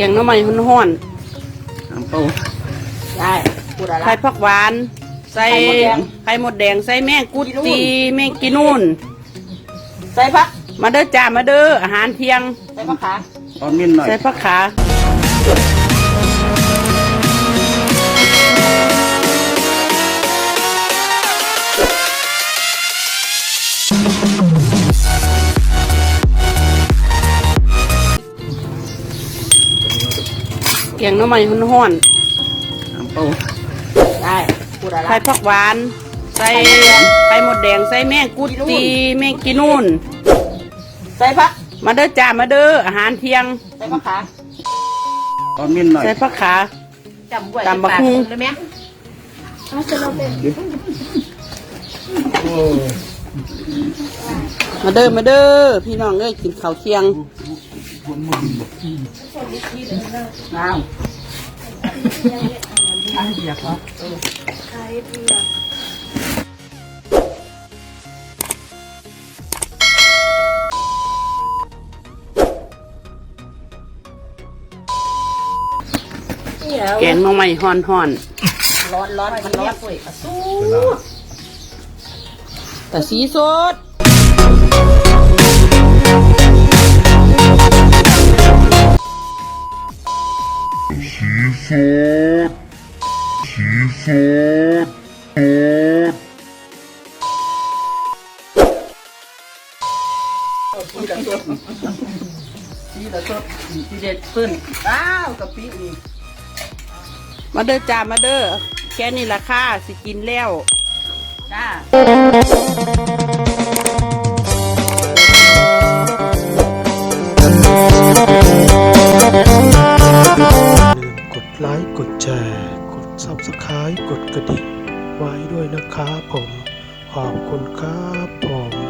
งหน่อไม้ห้อนน้ำเต้าได้พูดอะไรๆไข่ผักหวานใส่ไข่มดแดงใส่แมงกุดจีแมงกีนูนใส่ผักมาเด้อจ้ามาเด้ออาหารเที่ยงใส่ผักขาตอนมิ้นหน่อยใส่ผักขาแกงหน่อไม้ห้อนๆน้ำเต้าได้พูดอะไรไข่ผักหวานใส่ไข่มดแดงใส่แมงกุดจีแมงกีนูนใส่ผักมาเด้อจ้ามาเด้ออาหารเที่ยงใส่ผักขาตอนมิ้นหน่อยใส่ผักขาจำไว้ตำบักหุ่งเลยไหมมาเด้อมาเด้อพี่น้องเอ้ยกินข้าวเที่ยงน้ำแกงหน่อไม้ฮ้อนร้อนมันร้อนปุ้ยสู้ๆแต่สีสดสีละสดสีเด็ดขึ้นว้าวกะปิอีกมาเด้อจ้ามาเด้อแค่นี้ราคาสิกินแล้วจ้ากกดไลค์ กดแชร์ กด Subscribe กดกระดิ่งไว้ด้วยนะครับผม ขอบคุณครับผม